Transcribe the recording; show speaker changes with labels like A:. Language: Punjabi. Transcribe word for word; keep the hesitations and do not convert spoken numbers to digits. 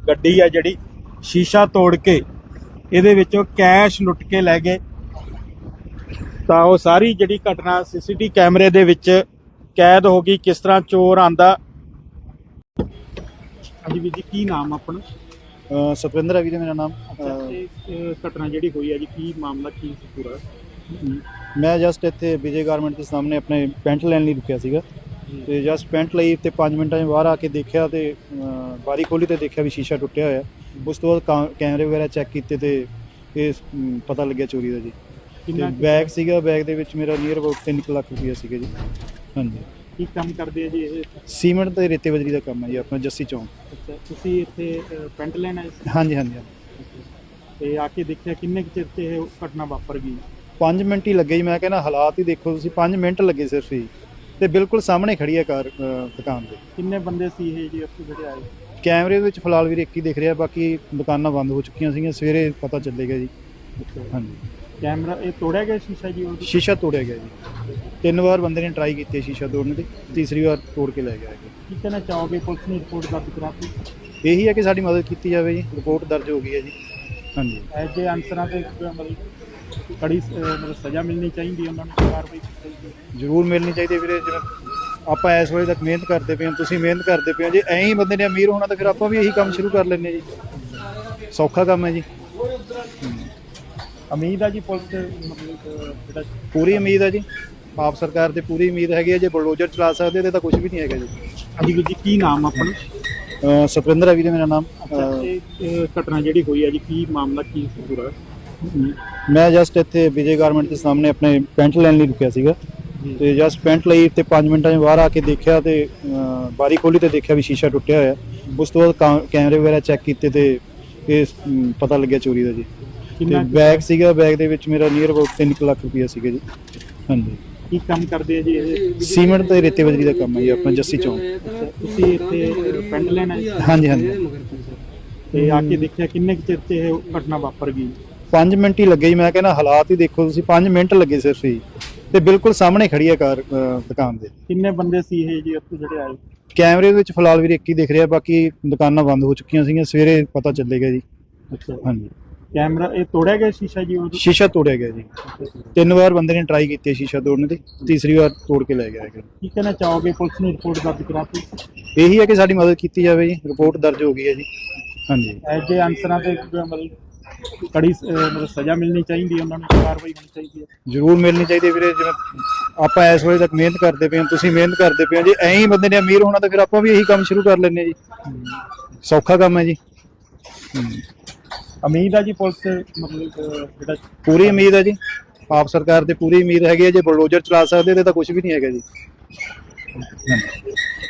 A: ਗੱਡੀ ਆ ਜਿਹੜੀ शीशा तोड़ के ਇਹਦੇ ਵਿੱਚੋਂ ਕੈਸ਼ ਲੁੱਟ ਕੇ ਲੈ ਗਏ। ਤਾਂ ਉਹ ਸਾਰੀ ਜਿਹੜੀ ਘਟਨਾ ਸੀਸੀਟੀ ਕੈਮਰੇ ਦੇ ਵਿੱਚ ਕੈਦ ਹੋ ਗਈ, ਕਿਸ ਤਰ੍ਹਾਂ ਚੋਰ ਆਂਦਾ। ਹਾਂਜੀ ਵੀਰ ਜੀ, ਕੀ ਨਾਮ ਆਪਣਾ?
B: सतविंदर है वीरे मेरा नाम।
A: घटना जी हुई है जी, की मामला की पूरा?
B: मैं जस्ट इत्थे विजय गारमेंट के सामने अपने पेंट लैन लई रुकिया सीगा ते जस्ट पेंट लई ते पाँच मिनटां च बाहर आके देखिया ते बारी खोली ते देखिया भी शीशा टुटिया होया। उस तो बाद कैमरे वगैरह चैक कीते ते इस पता लग्या चोरी दा जी। ते बैग सीगा, बैग दे विच मेरा नीयर अबाउट तीन लाख रुपया सीगा जी। हाँ जी।
A: ਕੀ ਕੰਮ ਕਰਦੇ ਆ ਜੀ ਇਹ?
B: सीमेंट ते रेते बजरी का काम है जी अपना जस्सी चौंक।
A: ਅੱਛਾ, ਤੁਸੀਂ ਇੱਥੇ ਪੈਂਟ ਲੈਣ ਆਏ ਸੀ?
B: हाँ जी हाँ जी।
A: ਤੇ ਆ ਕੇ ਦੇਖਿਆ ਕਿੰਨੇ ਕੁ ਚਿਰ 'ਚ ਇਹ ਘਟਨਾ ਵਾਪਰ ਗਈ?
B: पाँच मिनट ही लगे जी। मैं कहना हालात ही देखो तुसीं, पाँच मिनट लगे सिर्फ ही ते बिल्कुल सामने खड़ी है कार दुकान ते।
A: ਕਿੰਨੇ ਬੰਦੇ ਸੀ ਇਹ ਜੀ ਉੱਥੇ ਜਿਹੜੇ ਆਏ?
B: कैमरे ਵਿੱਚ ਫਿਲਹਾਲ ਵੀਰ ਇੱਕ ਹੀ ਦਿਖ ਰਿਹਾ, ਬਾਕੀ ਦੁਕਾਨਾਂ ਬੰਦ ਹੋ ਚੁੱਕੀਆਂ ਸੀਗੀਆਂ। ਸਵੇਰੇ ਪਤਾ ਚੱਲੇਗਾ ਜੀ। ਹਾਂਜੀ।
A: ਕੈਮਰਾ ਇਹ ਤੋੜਿਆ ਗਿਆ ਸ਼ੀਸ਼ਾ ਜੀ? ਉਹ
B: ਸ਼ੀਸ਼ਾ ਤੋੜਿਆ ਗਿਆ ਜੀ। ਤਿੰਨ ਵਾਰ ਬੰਦੇ ਨੇ ਟਰਾਈ ਕੀਤੀ ਸ਼ੀਸ਼ਾ ਤੋੜਨ ਦੀ, ਤੀਸਰੀ ਵਾਰ ਤੋੜ ਕੇ ਲੈ ਗਿਆ ਹੈ।
A: ਕੀ ਕਹਿਣਾ ਚਾਹੋਗੇ? ਪੁਲਿਸ ਨੇ ਰਿਪੋਰਟ ਦਰਜ ਕਰਾਤੀ?
B: ਇਹੀ ਹੈ ਕਿ ਸਾਡੀ ਮਦਦ ਕੀਤੀ ਜਾਵੇ ਜੀ। ਰਿਪੋਰਟ ਦਰਜ ਹੋ ਗਈ ਹੈ ਜੀ। ਹਾਂਜੀ।
A: ਐਜੇ ਅਨਸਰਾਂ ਤੇ ਮਤਲਬ ਕੜੀ ਮਤਲਬ ਸਜ਼ਾ ਮਿਲਣੀ ਚਾਹੀਦੀ, ਉਹਨਾਂ ਨੂੰ ਕਾਰਵਾਈ ਚਾਹੀਦੀ,
B: ਜ਼ਰੂਰ ਮਿਲਣੀ ਚਾਹੀਦੀ ਵੀਰੇ। ਜਿਵੇਂ ਆਪਾਂ ਇਸ ਵੇਲੇ ਤੱਕ ਮਿਹਨਤ ਕਰਦੇ ਪਏ ਹਾਂ, ਤੁਸੀਂ ਮਿਹਨਤ ਕਰਦੇ ਪਏ ਹੋ, ਜੇ ਐਂ ਹੀ ਬੰਦੇ ਨੇ ਅਮੀਰ ਹੋਣਾ ਤਾਂ ਫਿਰ ਆਪਾਂ ਵੀ ਇਹੀ ਕੰਮ ਸ਼ੁਰੂ ਕਰ ਲੈਂਦੇ ਜੀ। ਸੌਖਾ ਕੰਮ ਹੈ ਜੀ।
A: ਉਮੀਦ ਆ ਜੀ ਪੁਲਿਸ ਮਤਲਬ ਜਿਹੜਾ
B: ਪੂਰੀ ਉਮੀਦ ਹੈ ਜੀ। ਆਪ ਸਰਕਾਰ ਤੇ ਪੂਰੀ ਉਮੀਦ ਹੈਗੀ ਹੈ। ਜੇ ਬਲਡੋਜ਼ਰ ਚਲਾ ਸਕਦੇ ਤੇ ਤਾਂ ਕੁਝ ਵੀ ਨਹੀਂ ਹੈਗਾ ਜੀ।
A: ਹਾਂਜੀ ਵੀਰ ਜੀ, ਕੀ ਨਾਮ ਆਪਣਾ?
B: ਸਤਵਿੰਦਰ ਹੈ ਵੀਰੇ ਮੇਰਾ ਨਾਮ।
A: ਇਹ ਘਟਨਾ ਜਿਹੜੀ ਹੋਈ ਹੈ ਜੀ, ਕੀ ਮਾਮਲਾ ਕੀ ਸੀ ਪੂਰਾ?
B: ਮੈਂ ਜਸਟ ਇੱਥੇ ਵਿਜੇ ਗਾਰਮੈਂਟ ਦੇ ਸਾਹਮਣੇ ਆਪਣੇ ਪੈਂਟ ਲੈਣ ਲਈ ਰੁਕਿਆ ਸੀਗਾ ਤੇ ਜਸਟ ਪੈਂਟ ਲਈ ਤੇ ਪੰਜ ਮਿੰਟਾਂ 'ਚ ਬਾਹਰ ਆ ਕੇ ਦੇਖਿਆ ਤੇ ਬਾਰੀ ਖੋਲੀ ਤੇ ਦੇਖਿਆ ਵੀ ਸ਼ੀਸ਼ਾ ਟੁੱਟਿਆ ਹੋਇਆ। ਉਸ ਤੋਂ ਬਾਅਦ ਕੈਮਰੇ ਵਗੈਰਾ ਚੈੱਕ ਕੀਤੇ ਤੇ ਇਹ ਪਤਾ ਲੱਗਿਆ ਚੋਰੀ ਦਾ ਜੀ। ਤੇ ਬੈਗ ਸੀਗਾ, ਬੈਗ ਦੇ ਵਿੱਚ ਮੇਰਾ ਨੀਅਰ ਅਬਾਊਟ ਤਿੰਨ ਲੱਖ ਰੁਪਇਆ ਸੀਗਾ ਜੀ। ਹਾਂਜੀ।
A: ਕੀ ਕੰਮ ਕਰਦੇ ਆ ਜੀ ਇਹ?
B: ਸੀਮੈਂਟ ਤੇ ਰੇਤੇ ਬਜਰੀ ਦਾ ਕੰਮ ਹੈ ਜੀ ਆਪਣਾ ਜੱਸੀ ਚੌਂਕ।
A: ਤੁਸੀਂ ਇੱਥੇ ਪੈਂਟ ਲੈਣ ਆਏ?
B: ਹਾਂਜੀ ਹਾਂਜੀ।
A: ਤੇ ਆ ਕੇ ਦੇਖਿਆ ਕਿੰਨੇ ਕੁ ਚਿਰ 'ਚ ਇਹ ਘਟਨਾ ਵਾਪਰ ਗਈ?
B: ਪੰਜ ਮਿੰਟ ਹੀ ਲੱਗੇ ਜੀ। ਮੈਂ ਕਹਿੰਦਾ ਹਾਲਾਤ ਹੀ ਦੇਖੋ ਤੁਸੀਂ, ਪੰਜ ਮਿੰਟ ਲੱਗੇ ਸਿਰਫ ਹੀ ਤੇ ਬਿਲਕੁਲ ਸਾਹਮਣੇ ਖੜੀ ਹੈ ਕਾਰ ਦੁਕਾਨ ਦੇ।
A: ਕਿੰਨੇ ਬੰਦੇ ਸੀ ਇਹ ਜੀ ਉੱਥੇ ਜਿਹੜੇ ਆਏ?
B: ਕੈਮਰੇ ਵਿੱਚ ਫਿਲਹਾਲ ਵੀਰ ਇੱਕ ਹੀ ਦਿਖ ਰਿਹਾ, ਬਾਕੀ ਦੁਕਾਨਾਂ ਬੰਦ ਹੋ ਚੁੱਕੀਆਂ ਸੀਗੀਆਂ। ਸਵੇਰੇ ਪਤਾ ਚੱਲੇਗਾ ਜੀ।
A: ਅੱਛਾ।
B: ਹਾਂਜੀ।
A: ਕੈਮਰਾ ਇਹ ਤੋੜਿਆ ਗਿਆ ਸ਼ੀਸ਼ਾ ਜੀ? ਉਹ
B: ਸ਼ੀਸ਼ਾ ਤੋੜਿਆ ਗਿਆ ਜੀ। ਤਿੰਨ ਵਾਰ ਬੰਦੇ ਨੇ ਟਰਾਈ ਕੀਤੀ ਸ਼ੀਸ਼ਾ ਤੋੜਨ ਦੀ, ਤੀਸਰੀ ਵਾਰ ਤੋੜ ਕੇ ਲੈ ਗਿਆ ਹੈ।
A: ਕੀ ਕਹਿਣਾ ਚਾਹੋਗੇ? ਪੁਲਿਸ ਨੇ ਰਿਪੋਰਟ ਦਰਜ ਕਰਾਤੀ?
B: ਇਹੀ ਹੈ ਕਿ ਸਾਡੀ ਮਦਦ ਕੀਤੀ ਜਾਵੇ ਜੀ। ਰਿਪੋਰਟ ਦਰਜ ਹੋ ਗਈ ਹੈ ਜੀ। ਹਾਂਜੀ।
A: ਐਜੇ ਅਨਸਰਾਂ ਤੇ ਮਤਲਬ ਕੜੀ ਮਤਲਬ ਸਜ਼ਾ ਮਿਲਣੀ ਚਾਹੀਦੀ, ਉਹਨਾਂ ਨੂੰ ਕਾਰਵਾਈ ਹੋਣੀ ਚਾਹੀਦੀ ਹੈ।
B: ਜ਼ਰੂਰ ਮਿਲਣੀ ਚਾਹੀਦੀ ਵੀਰੇ। ਜਿਵੇਂ ਆਪਾਂ ਇਸ ਵੇਲੇ ਤੱਕ ਮਿਹਨਤ ਕਰਦੇ ਪਏ ਹਾਂ, ਤੁਸੀਂ ਮਿਹਨਤ ਕਰਦੇ ਪਏ ਹੋ, ਜੇ ਐਂ ਹੀ ਬੰਦੇ ਨੇ ਅਮੀਰ ਹੋਣਾ ਤਾਂ ਫਿਰ ਆਪਾਂ ਵੀ ਇਹੀ ਕੰਮ ਸ਼ੁਰੂ ਕਰ ਲੈਂਦੇ ਜੀ। ਸੌਖਾ ਕੰਮ ਹੈ ਜੀ।
A: ਉਮੀਦ ਆ ਜੀ ਪੁਲਿਸ ਮਤਲਬ ਜਿਹੜਾ
B: ਪੂਰੀ ਉਮੀਦ ਹੈ ਜੀ। ਆਪ ਸਰਕਾਰ ਤੇ ਪੂਰੀ ਉਮੀਦ ਹੈਗੀ ਹੈ। ਜੇ ਬਲਡੋਜ਼ਰ ਚਲਾ ਸਕਦੇ ਤੇ ਤਾਂ ਕੁਝ ਵੀ ਨਹੀਂ ਹੈਗਾ ਜੀ।